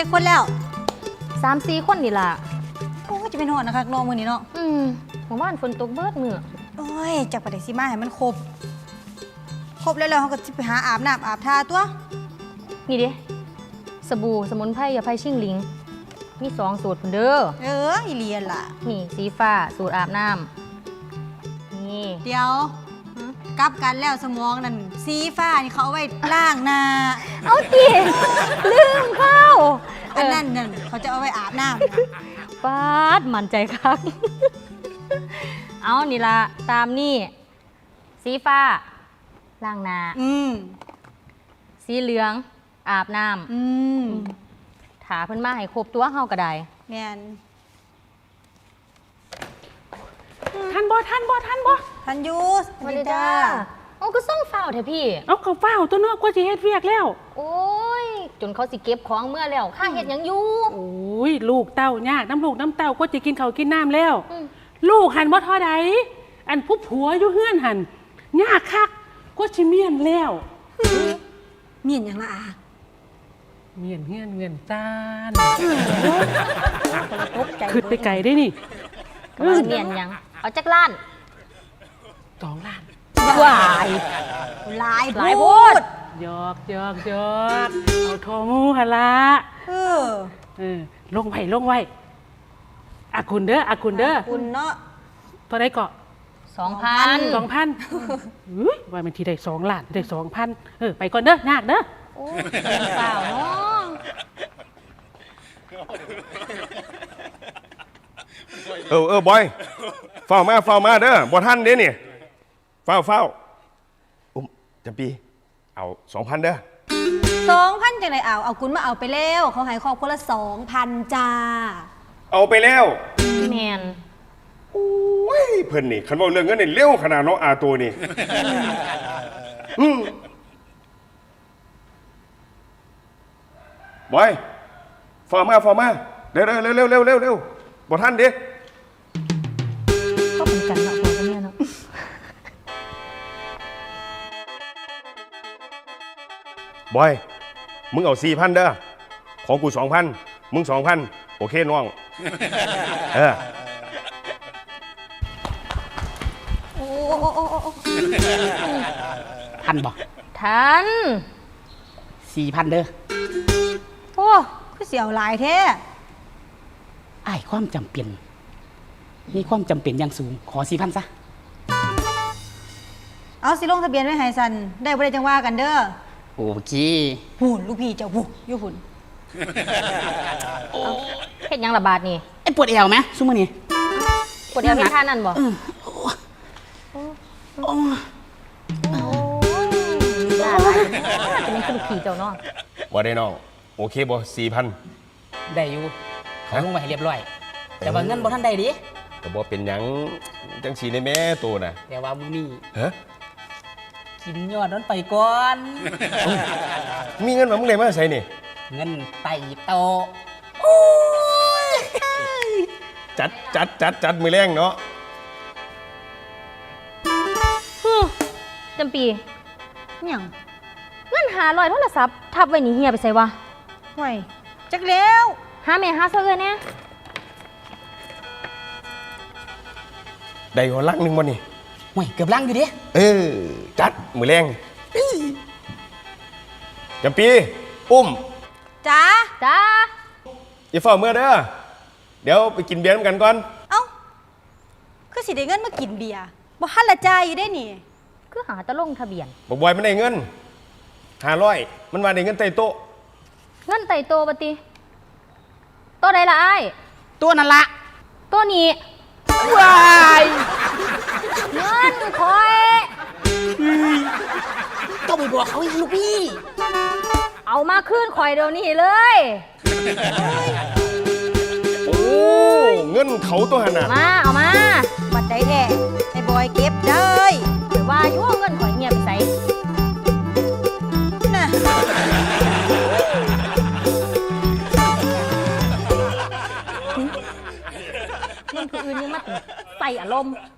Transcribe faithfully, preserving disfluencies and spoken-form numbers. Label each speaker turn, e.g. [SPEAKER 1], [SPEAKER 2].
[SPEAKER 1] จะคนแล้ว
[SPEAKER 2] สามสี่คนนี่ล่ะ
[SPEAKER 1] โอ้จะเป็นหอดนะคะน้องมือนี้เนาะ
[SPEAKER 2] อืมเมื่อวานฝนตกเบิดมือ
[SPEAKER 1] โอ้ยจากประเดี๋ยวสิมาให้มันครบครบแล้วเราเขาก็จะไปหาอาบน้ำอาบท่าตัว
[SPEAKER 2] นี่ดิสบู่สมุนไพรยาไพชิ่งหลิงมีสองสูตรเด้อ
[SPEAKER 1] เอออีเลียนล่ะ
[SPEAKER 2] นี่สีฟ้าสูตรอาบน้ำนี่
[SPEAKER 1] เดี๋ยวกลับกันแล้วสมองนั่นสีฟ้านี่เขาเอาไว้ล้างหน้า
[SPEAKER 2] เอาจีลืมเข้า
[SPEAKER 1] อันนั้นนั่นเขาจะเอาไว้อาบน้
[SPEAKER 2] ำฟาดมั่นใจครับเอานี่ละตามนี่สีฟ้าล้างหน้า
[SPEAKER 1] อืม
[SPEAKER 2] สีเหลืองอาบน้ำ
[SPEAKER 1] อืม
[SPEAKER 2] ถาเพิ่นมาให้ครบตัวเฮาก็ได้
[SPEAKER 1] แม่น
[SPEAKER 3] ทันบ่ทันบ่ทันบ่
[SPEAKER 1] ทันยูส
[SPEAKER 2] วัสดีจ้าโอ้ก็ส่งเฝ้าเถอะพี่
[SPEAKER 3] เอาเขาเฝ้าตัวนอกกว่าสิเฮ็ดเวียกแล้ว
[SPEAKER 2] โอ้ยจนเขาสิเก็บของเมื่อแล้วข้าเฮ็ดหยังอยู่
[SPEAKER 3] โอ้ยลูกเต้ายากน้ำลูกน้ำเต้าก็จะกินข้าวกินน้ำแล้วลูกหันบ่ทอใดอันผู้ผัวอยู่เฮือนหันยากคักก็สิเมียนแล้ว
[SPEAKER 1] เมียนยังละอา
[SPEAKER 3] เมียนเฮือนเงินจาน
[SPEAKER 1] ขึ้
[SPEAKER 3] นไปไกลได้นี่
[SPEAKER 2] เมียนยังเอาจักล้าน
[SPEAKER 3] สองล้าน
[SPEAKER 2] วาย
[SPEAKER 1] หลาย
[SPEAKER 2] หลายพูด
[SPEAKER 3] ยอกยอกยอกเอาโทมูหละ
[SPEAKER 1] เออ
[SPEAKER 3] เออลงไว้ลงไว้อาคุณเด้ออาคุณเด้อ
[SPEAKER 1] คุณเนาะ
[SPEAKER 3] เท่าไรเกาะ
[SPEAKER 2] สองพัน
[SPEAKER 3] สองพันอุ้ยว่ามันทีได้สองล้านได้สองพันเออไปก่อนเด้อยากเด้อ
[SPEAKER 2] โอ้เปล่าเนาะ
[SPEAKER 4] เออเออบอยเฝ้ามาเฝ้ามาเด้อบ่ท่านเด้นี่เฝ้าเฝ้าอุ้มจำปีเอาสองพันเด้อ
[SPEAKER 1] สองพันจังไรเอาเอาคุณมาเอาไปแล้วเขาให้ครอบคนละสองพันจ้า
[SPEAKER 4] เอาไปแล้ว
[SPEAKER 2] แมน
[SPEAKER 4] โอ้ยเพิ่นนี่คันว่าเรื่องเงินนี่เร็วขนาดน้องอาตัวนี่บอยเฝ้ามาเฝ้ามาเร็วเร็วเร็วเร็วเร็วเร็วเร็วบ่ท่านเด้
[SPEAKER 2] ก็เหมือนกันเนาะพ่อกับแม่เนาะ
[SPEAKER 4] บอยมึงเอาสี่พันเด้อของกูสองพันมึงสองพันโอเคน้องเออ
[SPEAKER 1] โอ้โอ้โอ้โอ้
[SPEAKER 3] ทันบ่
[SPEAKER 2] ทัน
[SPEAKER 3] สี่พันเด้อ
[SPEAKER 1] โอ้คือเสียวหลายแท้
[SPEAKER 3] ไอ้ความจำเป็นมีความจำเป็นอย่างสูงขอสี่พันซะ
[SPEAKER 1] เอาสิลงทะเบียนไว้ให้ซันได้บ่ได้จังว่ากันเด้อ
[SPEAKER 3] โอเค
[SPEAKER 1] หุ่นลูกพี่เจ้าบุอยู่หุ่น
[SPEAKER 2] เฮ็ดยังระบาดนี่
[SPEAKER 3] ไอ้ปวดเอวไหมซุ่มนี่
[SPEAKER 2] ปวดเอวเฮ็ดท่านั่นบ่
[SPEAKER 3] โอ้
[SPEAKER 2] ยลาลายจะเป็นคือขี่เจ้าเนาะ
[SPEAKER 4] บ่ได้น้องโอเคบ่สี่พัน
[SPEAKER 3] ได้อยู่เขาลงมาให้เรียบร้อยแต่ว่าเงินบ่ทันได้ดิ
[SPEAKER 4] แต่บ่เป็นหยังจังสีในแม่ตัวน่ะ
[SPEAKER 3] แต่ว่ามื้อนี้
[SPEAKER 4] ฮะ
[SPEAKER 3] กินยอดนั้นไปก่อน
[SPEAKER 4] มีเงินมามึงได้มาใส่นี่
[SPEAKER 3] เงินไต่โต
[SPEAKER 4] จัดจัดจัดจัดมือแรงเนาะ
[SPEAKER 2] จำปี
[SPEAKER 1] ยัง
[SPEAKER 2] เงินหาลอยโทรศัพท์ทับไว้นี่เฮียไปใส่วะ
[SPEAKER 1] ไว้จักแล้ว
[SPEAKER 2] หาแม่หาเสื้อเนี่ย
[SPEAKER 4] ได้หัวลักนึงวันนี้
[SPEAKER 3] ห่วยเกือบลังอยู่ดิ
[SPEAKER 4] เออจัดมือแรงจำปีอุ้ม
[SPEAKER 1] จ้า
[SPEAKER 2] จ้า
[SPEAKER 4] อย่าเฝ้าเมื่อเด้อเดี๋ยวไปกินเบียร์กันก่อน
[SPEAKER 1] เอ้าคือสิได้เงินมากินเบียร์บ่ฮั่นละจ่ายอยู่ได้นี่
[SPEAKER 2] คือหาตะลงทะเบียน
[SPEAKER 4] บอกบอยมันได้เงินห้าร้อยมันว่าได้เงินไต่โต๊ะ
[SPEAKER 2] เงินไต่โตปฏิตัวใดละไอ้
[SPEAKER 3] ตัวนั่นละ
[SPEAKER 2] ตัวนี้
[SPEAKER 3] วาย
[SPEAKER 2] เงินคอย
[SPEAKER 3] ต้องไปบอกเขาอีกลูกพี่
[SPEAKER 2] เอามาขึ้นคอยเดี๋ยวนี้เลย
[SPEAKER 4] โอ้เงินเขาตัวหันน่ะ
[SPEAKER 2] มาเอามา
[SPEAKER 1] บัดใจแท้ไอ้บอยเก็บเลย
[SPEAKER 2] หรือว่ายั่วเงินคอยเงียบไปใส่
[SPEAKER 1] น่ะ
[SPEAKER 2] เงินคนอื่นยังมาใส่อารมณ์